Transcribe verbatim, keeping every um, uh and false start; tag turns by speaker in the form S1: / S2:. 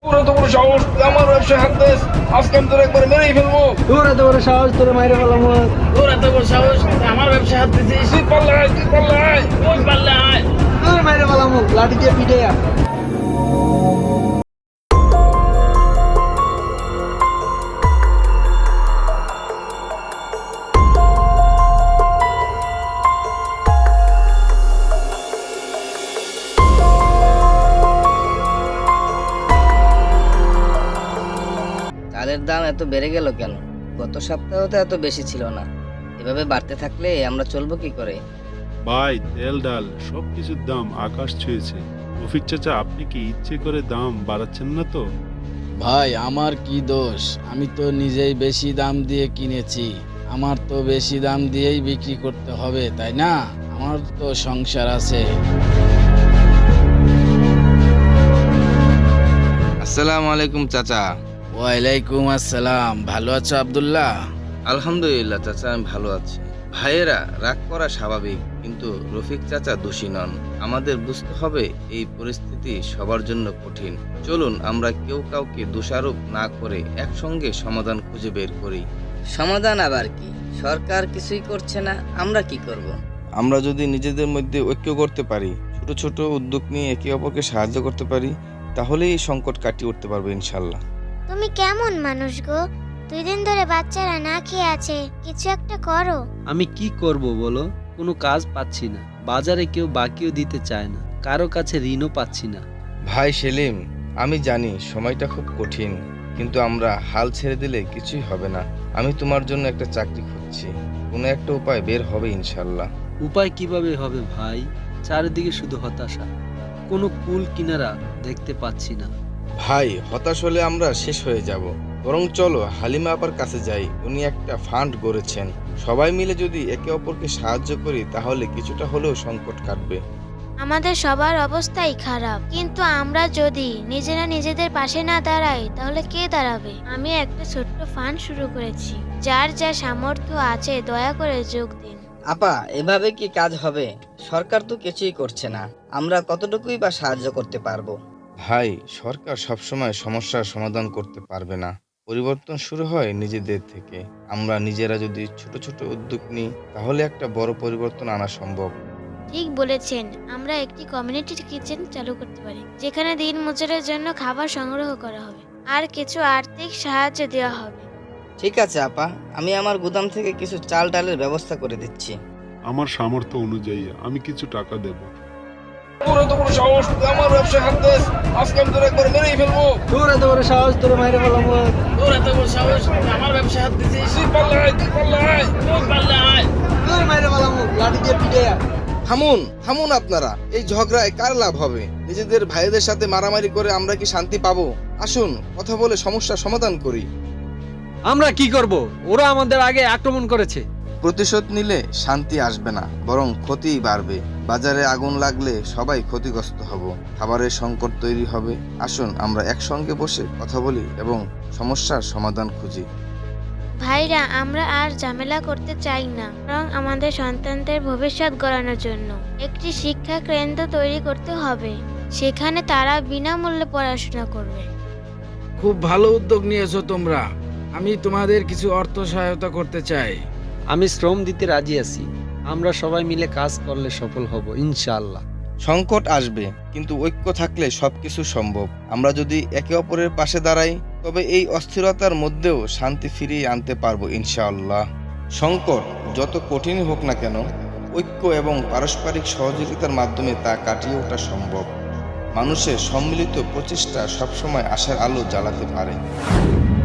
S1: তোর এত বড় সাহস তুই আমার ব্যবসায় হাত দিস, আজকে আমি তোর একবার মেরেই ফেলবো।
S2: তোর এত বড় সাহস, তোর মাইরে ফেলাম।
S3: তোর এত বড় সাহস, তুই আমার ব্যবসা হাত দিছিস।
S1: তুই পারলে আয়, তুই পারলে আয়।
S3: তুই পারলে আয়।
S2: তোর মাইরে ফেলাম লাঠি দিয়ে পিটে।
S4: চালের দাম এত বেড়ে গেল কেন? গত সপ্তাহে তো এত বেশি ছিল না। এভাবে বাড়তে থাকলে আমরা চলবো কি করে?
S5: ভাই, তেল ডাল সব কিছুর দাম আকাশ ছুঁয়েছে। রফিক চাচা, আপনি কি ইচ্ছে করে দাম বাড়াচ্ছেন না তো?
S6: ভাই, আমার কি দোষ? আমি তো নিজেই বেশি দাম দিয়ে কিনেছি। আমার তো বেশি দাম দিয়েই বিক্রি করতে হবে, তাই না? আমার তো সংসার আছে।
S7: আসসালামু আলাইকুম চাচা।
S6: ওয়ালাইকুম আসসালাম। ভালো আছো আব্দুল্লাহ?
S7: আলহামদুলিল্লাহ চাচা, আমি ভালো আছি। ভাইয়েরা, রাগ করা স্বাভাবিক, কিন্তু রফিক চাচা দোষী নন। আমাদের বুঝতে হবে এই পরিস্থিতি সবার জন্য কঠিন। চলুন আমরা কেউ কাউকে দোষারোপ না করে একসঙ্গে সমাধান খুঁজে বের করি।
S4: সমাধান আবার কি? সরকার কিছুই করছে না, আমরা কি করব?
S7: আমরা যদি নিজেদের মধ্যে ঐক্য করতে পারি, ছোট ছোট উদ্যোগ নিয়ে একে অপরকে সাহায্য করতে পারি, তাহলেই এই সংকট কাটিয়ে উঠতে পারবে ইনশাল্লাহ।
S8: তুমি কেমন মানুষ গো? দুই দিন ধরে বাচ্চারা না খেয়ে আছে, কিছু একটা করো।
S9: আমি কি করব বলো? কোনো কাজ পাচ্ছি না, বাজারে কেউ বাকিও দিতে চায় না, কারো কাছে ঋণও পাচ্ছি না।
S7: ভাই সেলিম, আমি জানি সময়টা খুব কঠিন, কিন্তু আমরা হাল ছেড়ে দিলে কিছুই হবে না। আমি তোমার জন্য একটা চাকরি খুঁজছি, কোনো একটা উপায় বের হবে ইনশাল্লাহ।
S9: উপায় কিভাবে হবে ভাই? চারিদিকে শুধু হতাশা, কোনো কুল কিনারা দেখতে পাচ্ছি না।
S7: ভাই, হতাশ হলে আমরা শেষ হয়ে যাব। বরং চলো হালিমা আপার কাছে যাই, উনি একটা ফান্ড গড়েছেন। সবাই মিলে যদি একে অপরকে সাহায্য করি, তাহলে কিছুটা হলেও সংকট কাটবে।
S8: আমাদের সবার অবস্থাই খারাপ, কিন্তু আমরা যদি নিজেরা নিজেদের পাশে না দাঁড়াই, তাহলে কে দাঁড়াবে? আমি একটা ছোট্ট ফান্ড শুরু করেছি, যার যা সামর্থ্য আছে দয়া করে যোগ দিন।
S4: আপা, এভাবে কি কাজ হবে? সরকার তো কিছুই করছে না, আমরা কতটুকুই বা সাহায্য করতে পারবো?
S7: ভাই, সরকার সবসময় সমস্যার সমাধান করতে পারবে না। পরিবর্তন শুরু হয় নিজেদের থেকে। আমরা নিজেরা যদি ছোট ছোট উদ্যোগ নিই, তাহলে একটা বড় পরিবর্তন আনা সম্ভব।
S8: ঠিক বলেছেন, আমরা একটি কমিউনিটি কিচেন চালু করতে পারি, যেখানে দিন মজুরের জন্য খাবার সংগ্রহ করা হবে আর কিছু আর্থিক সাহায্য দেওয়া হবে।
S4: ঠিক আছে আপা, আমি আমার গুদাম থেকে কিছু চাল ডালের ব্যবস্থা করে দিচ্ছি।
S5: আমার সামর্থ্য অনুযায়ী আমি কিছু টাকা দেব।
S1: তোর এত বড় সাহস তুই আমার ব্যবসায় হাত দিস, আজকে আমি তোর একবার মেরেই ফেলবো।
S2: তোর এত বড় সাহস, তোর মাইরে ফেলাম।
S3: তোর এত বড় সাহস, তুই আমার ব্যবসা হাত দিছিস।
S1: তুই পারলে আয়, তুই পারলে আয়।
S3: তুই পারলে আয়।
S2: তোর মাইরে ফেলাম লাঠি দিয়ে পিটে।
S7: থামুন থামুন আপনারা, এই ঝগড়ায় কার লাভ হবে? নিজেদের ভাইদের সাথে মারামারি করে আমরা কি শান্তি পাবো? আসুন কথা বলে সমস্যার সমাধান করি।
S9: আমরা কি করব? ওরা আমাদের আগে আক্রমণ করেছে।
S7: প্রতিশোধ নিলে শান্তি আসবে না, বরং ক্ষতিই বাড়বে। বাজারে আগুন লাগলে সবাই ক্ষতিগ্রস্ত হব, খাবারের সংকট তৈরি হবে। আসুন আমরা একসঙ্গে বসে কথা বলি এবং সমস্যার সমাধান খুঁজি।
S8: ভাইরা, আমরা আর ঝামেলা করতে চাই না, বরং আমাদের সন্তানদের ভবিষ্যৎ গড়ানোর জন্য একটি শিক্ষা কেন্দ্র তৈরি করতে হবে, সেখানে তারা বিনামূল্যে পড়াশোনা করবে।
S6: খুব ভালো উদ্যোগ নিয়েছো তোমরা। আমি তোমাদের কিছু অর্থ সহায়তা করতে চাই।
S9: আমি শ্রম দিতে রাজি আছি। আমরা সবাই মিলে কাজ করলে সফল হব ইনশাআল্লাহ।
S7: সংকট আসবে, কিন্তু ঐক্য থাকলে সবকিছু সম্ভব। আমরা যদি একে অপরের পাশে দাঁড়াই, তবে এই অস্থিরতার মধ্যেও শান্তি ফিরিয়ে আনতে পারবো ইনশাআল্লাহ। সংকট যত কঠিনই হোক না কেন, ঐক্য এবং পারস্পরিক সহযোগিতার মাধ্যমে তা কাটিয়ে ওঠা সম্ভব। মানুষের সম্মিলিত প্রচেষ্টা সবসময় আশার আলো জ্বালাতে পারে।